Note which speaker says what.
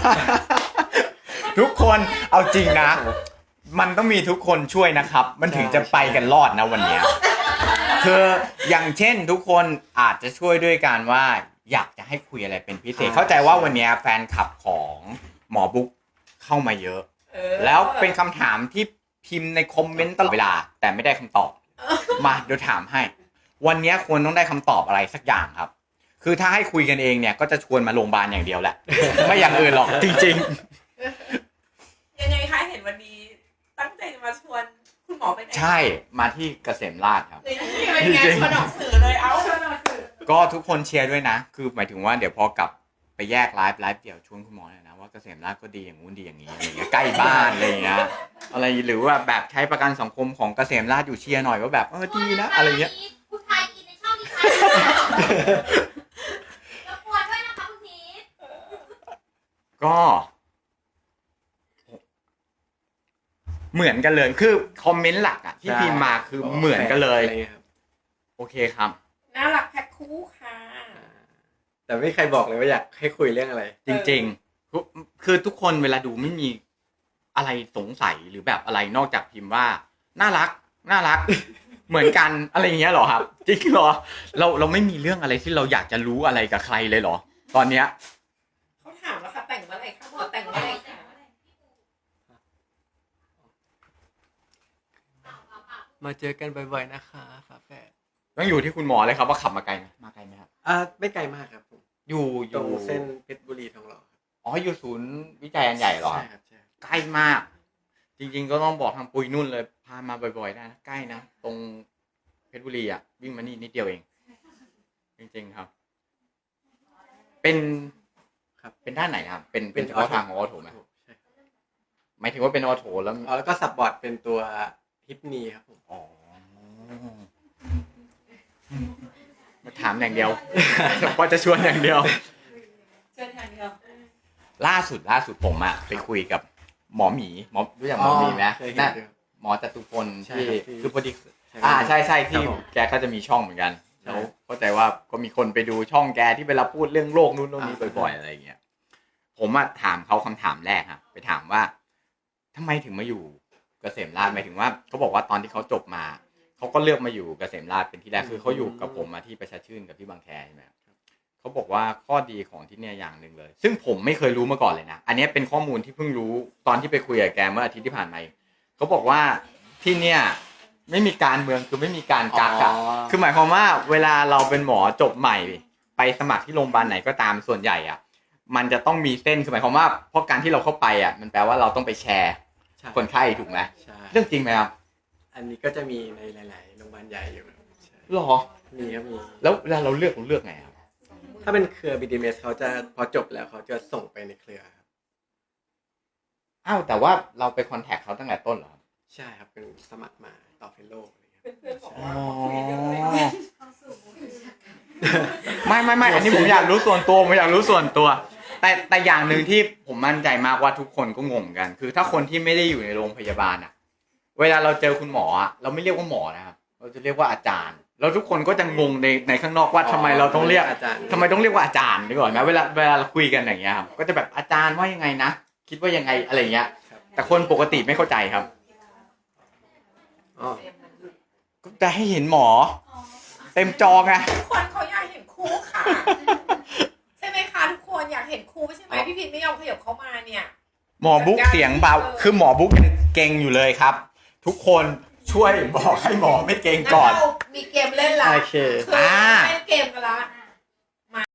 Speaker 1: ทุกคนเอาจริงนะมันต้องมีทุกคนช่วยนะครับมันถึงจะไปกันรอดนะวันนี้คืออย่างเช่นทุกคนอาจจะช่วยด้วยการว่าอยากจะให้คุยอะไรเป็นพิเศษเข้าใจว่าวันนี้แฟนคลับของหมอบุ๊กเข้ามาเยอะแล้วเป็นคำถามที่พิมพ์ในคอมเมนต์ตลอดเวลาแต่ไม่ได้คำตอบมาเดี๋ยวถามให้วันนี้ควรต้องได้คำตอบอะไรสักอย่างครับคือถ้าให้คุยกันเองเนี่ยก็จะชวนมาโรงพยาบาลอย่างเดียวแหละไม่อย่างอื่นหรอกจริง
Speaker 2: ๆยังไงคะเห็นวันนี้ตั้งใจจะมาชวนคุณหมอไปไหน
Speaker 1: ใช่มาที่เกษมราษฎร์ครับ
Speaker 2: เป็นไงชวนออกสื่อเลยเอาชวนออกสื่อ
Speaker 1: ก็ทุกคนเชียร์ด้วยนะคือหมายถึงว่าเดี๋ยวพอกลับไปแยกไลฟ์เดี่ยวชวนคุณหมอเลยนะว่าเกษมราษฎร์ก็ดีอย่างงู้นดีอย่างนี้อะไรเงี้ยใกล้บ้านอะไรเงี้ยอะไรหรือว่าแบบใช้ประกันสังคมของเกษมราษฎร์อยู่เชียร์หน่อยว่าแบบดีนะอะไรเงี้ย
Speaker 3: คุณทายอินในช่องนี้ค่ะแล้วปวดด้วยนะคะคุณที
Speaker 1: ก็เหมือนกันเลยคือคอมเมนต์หลักอ่ะที่พิมพ์มาคือเหมือนกันเลยโอเคครับ
Speaker 2: น่ารักแพ็คคู่ค่ะ
Speaker 4: แต่ไม่ใครบอกเลยว่าอยากให้คุยเรื่องอะไร
Speaker 1: จริงๆคือทุกคนเวลาดูไม่มีอะไรสงสัยหรือแบบอะไรนอกจากพิมพ์ว่าน่ารักเหมือนกันอะไรอย่างเงี้ยหรอครับจริงเหรอเราไม่มีเรื่องอะไรที่เราอยากจะรู้อะไรกับใครเลยเหรอตอนเนี้ย
Speaker 2: เขาถามแล้วค่ะแต่งเมื่อไหร่คะหมอแต่งเมื่อไหร่คะ
Speaker 4: มาเจอกันบ่อยๆนะคะฝาแฝด
Speaker 1: ต้องอยู่ที่คุณหมอเลยครับว่าขับมาไกลไหมมาไกลไหมครับ
Speaker 4: ไม่ไกลมากครับผม
Speaker 1: อยู่
Speaker 4: ตรงเส้นเพชรบุรีทองหล่อ
Speaker 1: อ๋ออยู่ศูนย์วิจัยอันใหญ่เหรอ
Speaker 4: ใช่ครับใช่
Speaker 1: ใกล้มากจริงๆก็ต้องบอกทางปุยนุ่นเลยพามาบ่อยๆได้นะใกล้นะตรงเพชรบุรีอ่ะวิ่งมานี่นิดเดียวเองจริงๆครับเป็นด้านไหนครับเป็นเฉพาะทางของออโถไหมหมายถึงว่าเป็นออโถ
Speaker 4: แล้วก็ซับบอร์ดเป็นตัวฮิปนีครับผม
Speaker 1: อ๋อมาถามอย่างเดียวพอจะชวนอย่างเดียวล่าสุดผมอะไปคุยกับหมอหมีรู้จักหมอหมีไหมน่ะหมอจตุพลที่คือพอดีใช่ที่แกก็จะมีช่องเหมือนกันแล้วเข้าใจว่าก็มีคนไปดูช่องแกที่เวลาพูดเรื่องโลกนู้นโลกนี้บ่อยๆอะไรอย่างเงี้ยผมอะถามเขาคำถามแรกครับไปถามว่าทำไมถึงมาอยู่เกษมราษฎร์หมายถึงว่าเขาบอกว่าตอนที่เขาจบมาเขาก็เลือกมาอยู่เกษมราษฎร์เป็นที่แรกคือเขาอยู่กับผมมาที่ประชาชื่นกับที่บางแคใช่ไหมเขาบอกว่าข้อดีของที่เนี่ยอย่างหนึ่งเลยซึ่งผมไม่เคยรู้มาก่อนเลยนะอันนี้เป็นข้อมูลที่เพิ่งรู้ตอนที่ไปคุยกับแกเมื่ออาทิตย์ที่ผ่านมาเขาบอกว่าที่เนี่ยไม่มีการเมืองคือไม่มีการกักอะคือหมายความว่าเวลาเราเป็นหมอจบใหม่ไปสมัครที่โรงพยาบาลไหนก็ตามส่วนใหญ่อะมันจะต้องมีเส้นคือหมายความว่าเพราะการที่เราเข้าไปอะมันแปลว่าเราต้องไปแชร์คนไข้ถูกไหมเรื่องจริงไหมครับ
Speaker 4: อันนี้ก็จะมีในหลายๆโรงพยาบาลใหญ่อยู่
Speaker 1: หรอ
Speaker 4: มีครับมี
Speaker 1: แล้วเวลาเราเลือกไงครับ
Speaker 4: ถ้าเป็นเครือ BDMS เขาจะพอจบแล้วเขาจะส่งไปในเครือครับ
Speaker 1: อ้าวแต่ว่าเราไปคอนแทคเขาตั้งแต่ต้นเหรอครับ
Speaker 4: ใช่ครับเป็นสมัครมาต่อเฟลโล่
Speaker 2: เพื่อนบอกว่าคุยกันเลย
Speaker 1: ไม่อันนี้ผมอยากรู้ส่วนตัวแต่อย่างหนึ่งที่ผมมั่นใจมากว่าทุกคนก็งงกันคือถ้าคนที่ไม่ได้อยู่ในโรงพยาบาลอะเวลาเราเจอคุณหมออะเราไม่เรียกว่าหมอนะครับเราจะเรียกว่าอาจารย์แล้วทุกคนก็จะงงในข้างนอกว่าทำไมเราต้องเรียกอาจารย์ทำไมต้องเรียกว่าอาจารย์ดีกว่านะเวลาเราคุยกันอย่างเงี้ยครับก็จะแบบอาจารย์ว่ายังไงนะคิดว่ายังไงอะไรเงี้ยแต่คนปกติไม่เข้าใจครับก็จะให้เห็นหมอเต็มจอไง
Speaker 2: ทุกคนเขาอยากเห็นคู่ค่ะใช่ไหมคะทุกคนอยากเห็นคู่ใช่ไหมพี่พิมพ์ไม่ยอมขยับเข้ามาเนี่ย
Speaker 1: หมอบุ๊กเสียงเบาคือหมอบุ๊กยังเก่งอยู่เลยครับทุกคนช่วยบอกให้หมอไม่เก่งก่อน
Speaker 2: มีเกมเล่นละ
Speaker 4: โอเค
Speaker 2: เล่นเกมกันละ